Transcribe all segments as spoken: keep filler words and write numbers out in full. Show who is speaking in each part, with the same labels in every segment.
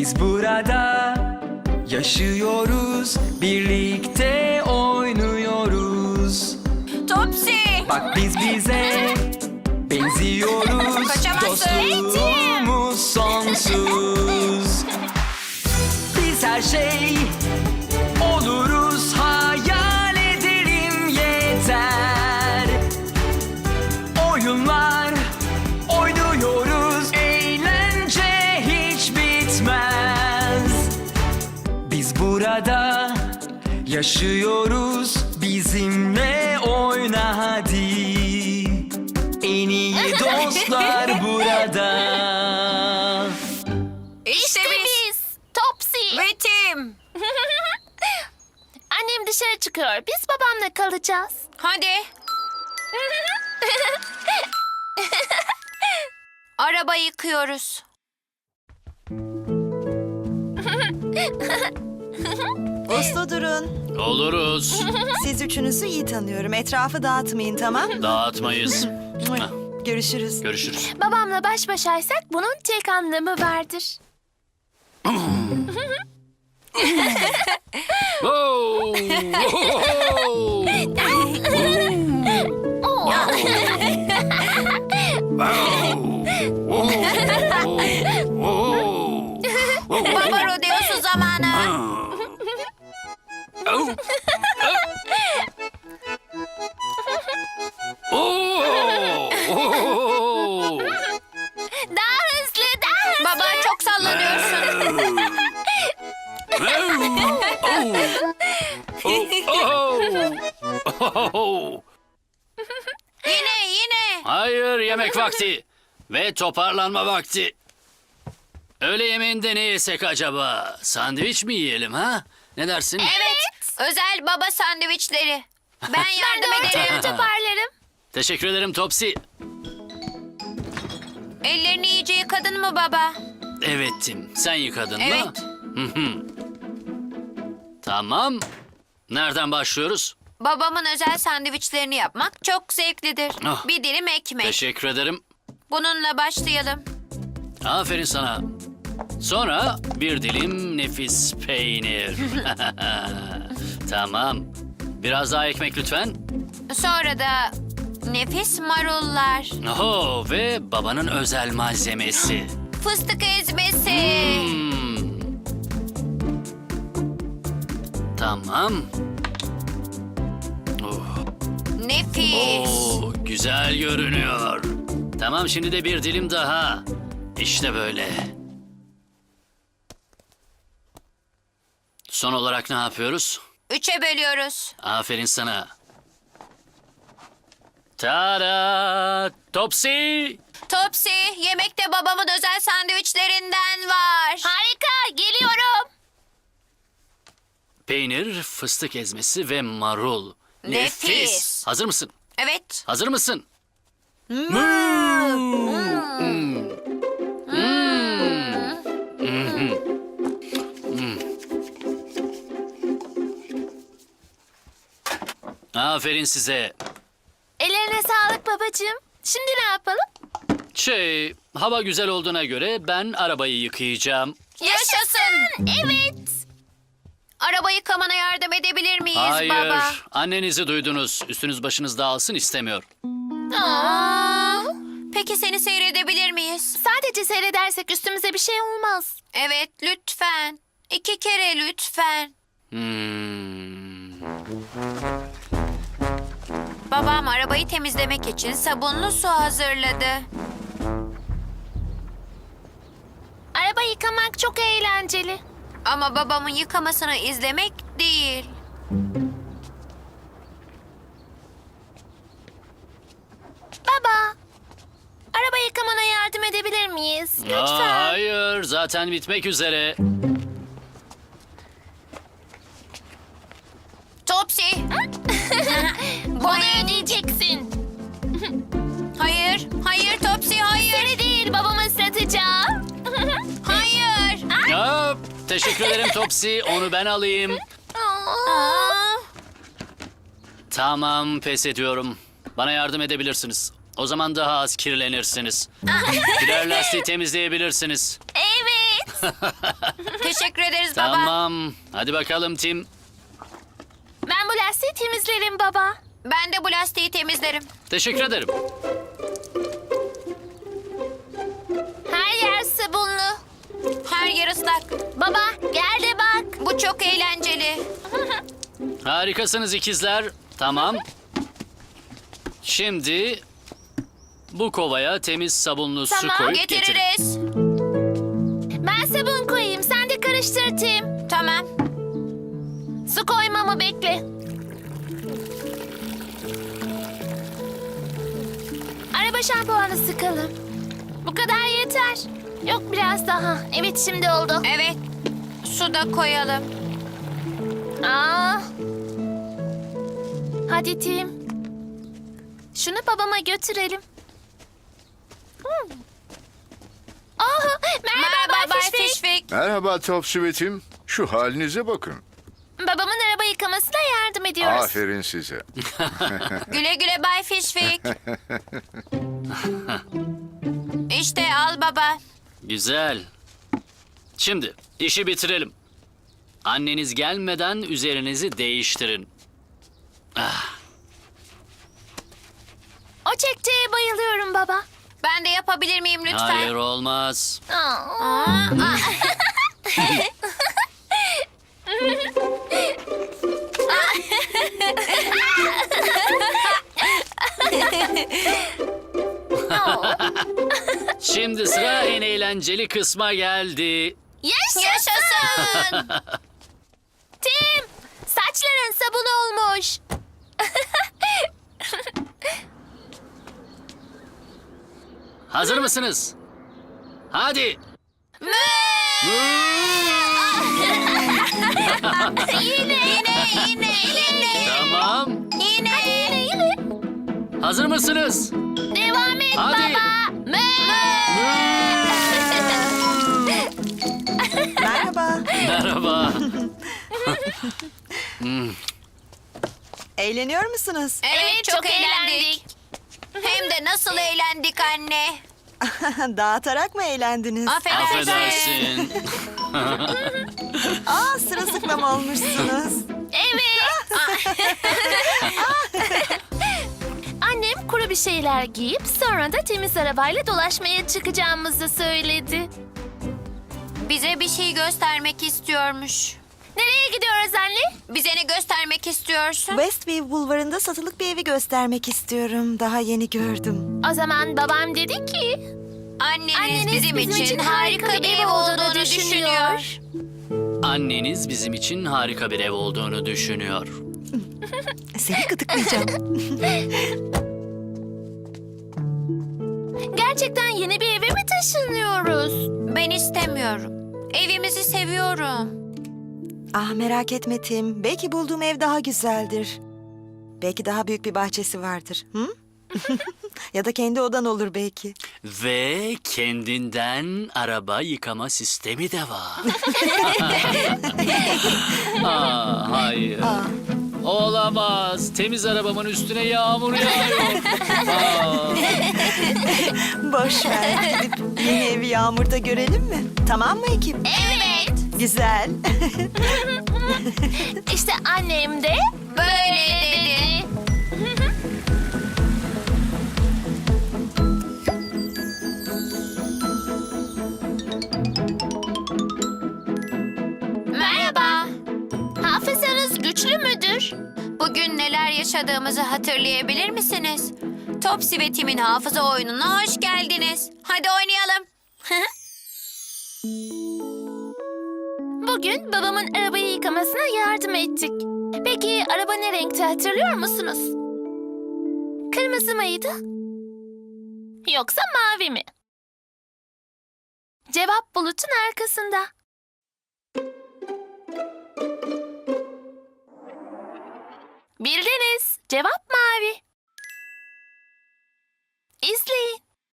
Speaker 1: Biz burada yaşıyoruz, birlikte oynuyoruz.
Speaker 2: Topsy.
Speaker 1: Bak biz bize benziyoruz.
Speaker 2: Kaçamazsın.
Speaker 1: Dostluğumuz sonsuz. Biz her şey oluruz, hayal edelim yeter. Oyunlar oynuyoruz, eğlence hiç bitmez. Biz burada yaşıyoruz, bizimle oyna hadi. En iyi dostlar burada.
Speaker 2: İşte biz.
Speaker 3: Topsy.
Speaker 2: Ve Tim.
Speaker 3: Annem dışarı çıkıyor. Biz babamla kalacağız.
Speaker 2: Hadi. Araba yıkıyoruz.
Speaker 4: Uslu durun.
Speaker 5: Oluruz.
Speaker 4: Siz üçünüzü iyi tanıyorum. Etrafı dağıtmayın, tamam?
Speaker 5: Dağıtmayız.
Speaker 4: Görüşürüz.
Speaker 5: Görüşürüz.
Speaker 3: Babamla baş başaysak bunun tek anlamı vardır.
Speaker 5: Oh!
Speaker 2: Baba rodeosu zamanı.
Speaker 3: Daha hızlı, daha hızlı.
Speaker 2: Baba çok sallanıyorsun. Yine yine.
Speaker 5: Hayır, yemek vakti ve toparlanma vakti. Öğle yemeğinde ne yesek acaba? Sandviç mi yiyelim ha? Ne dersin?
Speaker 2: Evet. Özel baba sandviçleri. Ben
Speaker 3: Ben de
Speaker 2: yardım
Speaker 3: ortalığı
Speaker 2: ederim.
Speaker 3: toparlarım.
Speaker 5: Teşekkür ederim Topsy.
Speaker 2: Ellerini iyice yıkadın mı baba?
Speaker 5: Evet Tim, sen yıkadın mı?
Speaker 2: Evet.
Speaker 5: Hı hı. Tamam. Nereden başlıyoruz?
Speaker 2: Babamın özel sandviçlerini yapmak çok zevklidir.
Speaker 5: Ah.
Speaker 2: Bir dilim ekmek.
Speaker 5: Teşekkür ederim.
Speaker 2: Bununla başlayalım.
Speaker 5: Aferin sana. Sonra bir dilim nefis peynir. Tamam. Biraz daha ekmek lütfen.
Speaker 2: Sonra da nefis marullar,
Speaker 5: Oho, ve babanın özel malzemesi.
Speaker 2: fıstık ezmesi.
Speaker 5: Hmm. Tamam. Oh.
Speaker 2: Nefis.
Speaker 5: Oo, güzel görünüyor. Tamam, şimdi de bir dilim daha. İşte böyle. Son olarak ne yapıyoruz?
Speaker 2: Üçe bölüyoruz.
Speaker 5: Aferin sana. Tada! Topsy!
Speaker 2: Topsy, yemekte babamın özel sandviçlerinden var.
Speaker 3: Harika, geliyorum.
Speaker 5: Peynir, fıstık ezmesi ve marul.
Speaker 2: Nefis.
Speaker 5: Hazır mısın?
Speaker 2: Evet.
Speaker 5: Hazır mısın? Aferin size.
Speaker 3: Ellerine sağlık babacığım. Şimdi ne yapalım?
Speaker 5: Şey, hava güzel olduğuna göre ben arabayı yıkayacağım.
Speaker 2: Yaşasın.
Speaker 3: Evet.
Speaker 2: Araba yıkamana yardım edebilir miyiz
Speaker 5: Hayır,
Speaker 2: baba?
Speaker 5: annenizi duydunuz. Üstünüz başınız dağılsın istemiyor.
Speaker 2: Aa, peki seni seyredebilir miyiz?
Speaker 3: Sadece seyredersek üstümüze bir şey olmaz.
Speaker 2: Evet, lütfen. İki kere lütfen.
Speaker 5: Hmm.
Speaker 2: Babam arabayı temizlemek için sabunlu su hazırladı.
Speaker 3: Araba yıkamak çok eğlenceli.
Speaker 2: Ama babamın yıkamasını izlemek değil.
Speaker 3: Baba, araba yıkamana yardım edebilir miyiz? Lütfen.
Speaker 5: Aa, hayır, zaten bitmek üzere.
Speaker 2: Topsy.
Speaker 3: Bunu ödeyeceksin.
Speaker 2: Hayır, hayır Topsy, hayır.
Speaker 3: Seni değil, babamı ıslatacağım.
Speaker 2: Hayır.
Speaker 5: Aa, teşekkür ederim Topsy, onu ben alayım.
Speaker 2: Aa,
Speaker 5: Tamam, pes ediyorum. Bana yardım edebilirsiniz. O zaman daha az kirlenirsiniz. Birer lastiği temizleyebilirsiniz.
Speaker 3: Evet.
Speaker 2: Teşekkür ederiz baba.
Speaker 5: Tamam. Hadi bakalım Tim.
Speaker 3: Ben bu lastiği temizlerim baba.
Speaker 2: Ben de bu lastiği temizlerim.
Speaker 5: Teşekkür ederim.
Speaker 3: Her yer sabunlu.
Speaker 2: Her yer ıslak.
Speaker 3: Baba gel de bak.
Speaker 2: Bu çok eğlenceli.
Speaker 5: Harikasınız ikizler. Tamam. Şimdi bu kovaya temiz sabunlu su
Speaker 2: Tamam,
Speaker 5: koyup getirin.
Speaker 2: getiririz.
Speaker 3: Ben sabun koyayım, sen de karıştır Tim.
Speaker 2: Tamam.
Speaker 3: Su koymamı bekle. Araba şampuanı sıkalım. Bu kadar yeter. Yok biraz daha. Evet şimdi oldu.
Speaker 2: Evet. Su da koyalım.
Speaker 3: Aa. Hadi Tim. Şunu babama götürelim. Hmm. Oh, merhaba,
Speaker 2: Merhaba Bay
Speaker 3: Fishwick.
Speaker 2: Fishwick.
Speaker 6: Merhaba Top Sweet'im. Şu halinize bakın.
Speaker 3: Babamın araba yıkamasına yardım ediyoruz.
Speaker 6: Aferin size.
Speaker 2: Güle güle Bay Fishwick. İşte al baba.
Speaker 5: Güzel. Şimdi işi bitirelim. Anneniz gelmeden üzerinizi değiştirin.
Speaker 3: O çekçeye bayılıyorum baba.
Speaker 2: Ben de yapabilir miyim lütfen?
Speaker 5: Hayır olmaz.
Speaker 3: Aa.
Speaker 2: Aa, aa.
Speaker 5: Şimdi sıra en eğlenceli kısma geldi.
Speaker 3: Yaşasın.
Speaker 2: Yaşasın.
Speaker 3: Tim, saçların sabun olmuş.
Speaker 5: Hazır mısınız? Hadi.
Speaker 2: Yine yine yine yine.
Speaker 5: Tamam.
Speaker 2: Yine.
Speaker 3: Yine yine.
Speaker 5: Hazır mısınız?
Speaker 3: Devam et
Speaker 5: Hadi.
Speaker 3: baba. Mö.
Speaker 4: Merhaba.
Speaker 5: Merhaba.
Speaker 4: Eğleniyor musunuz?
Speaker 2: Evet, çok, eğlendik. Hem de nasıl eğlendik anne.
Speaker 4: Dağıtarak mı eğlendiniz?
Speaker 2: Affedersin.
Speaker 5: Affedersin.
Speaker 4: Aa, sırılsıklam olmuşsunuz.
Speaker 3: Evet. Annem kuru bir şeyler giyip sonra da temiz arabayla dolaşmaya çıkacağımızı söyledi.
Speaker 2: Bize bir şey göstermek istiyormuş.
Speaker 3: Nereye gidiyoruz anne?
Speaker 2: Bize ne göstermek istiyorsun?
Speaker 4: Westview Bulvarı'nda satılık bir evi göstermek istiyorum. Daha yeni gördüm.
Speaker 3: O zaman babam dedi ki...
Speaker 2: Anneniz,
Speaker 3: Anneniz
Speaker 2: bizim, için harika bir ev olduğunu düşünüyor.
Speaker 5: Anneniz bizim için harika bir ev olduğunu düşünüyor.
Speaker 4: Seni gıdıklayacağım.
Speaker 3: Gerçekten yeni bir eve mi taşınıyoruz?
Speaker 2: Ben istemiyorum. Evimizi seviyorum.
Speaker 4: Ah, merak etme Tim. Belki bulduğum ev daha güzeldir. Belki daha büyük bir bahçesi vardır. Hı? Ya da kendi odan olur belki.
Speaker 5: Ve kendinden araba yıkama sistemi de var. Aa, hayır. Olamaz. Temiz arabamın üstüne yağmur yağıyor. Aa.
Speaker 4: Boş ver. Gidip yeni evi yağmurda görelim mi? Tamam mı ekip?
Speaker 3: Evet.
Speaker 4: Güzel.
Speaker 3: İşte annem de
Speaker 2: Böyle dedi. Merhaba.
Speaker 3: hafızanız güçlü müdür?
Speaker 2: Bugün neler yaşadığımızı hatırlayabilir misiniz? Topsy ve Tim'in hafıza oyununa hoş geldiniz. Hadi oynayalım.
Speaker 3: Bugün babamın arabayı yıkamasına yardım ettik. Peki araba ne renkti hatırlıyor musunuz? Kırmızı mıydı? Yoksa mavi mi? Cevap bulutun arkasında. Bildiniz. Cevap mavi. İzleyin.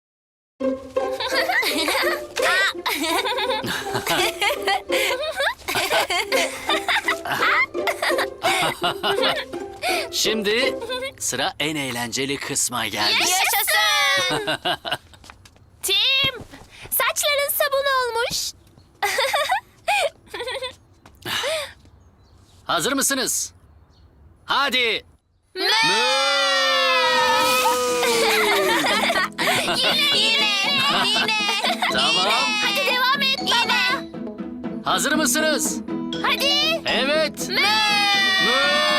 Speaker 5: Şimdi sıra en eğlenceli kısma geldi.
Speaker 2: Yaşasın.
Speaker 3: Tim, saçların sabun olmuş.
Speaker 5: Hazır mısınız? Hadi.
Speaker 2: Yine, yine, yine.
Speaker 5: Tamam.
Speaker 3: Hadi devam et baba.
Speaker 5: Hazır mısınız?
Speaker 3: Hadi.
Speaker 5: Evet.
Speaker 3: Mö!
Speaker 5: Mö!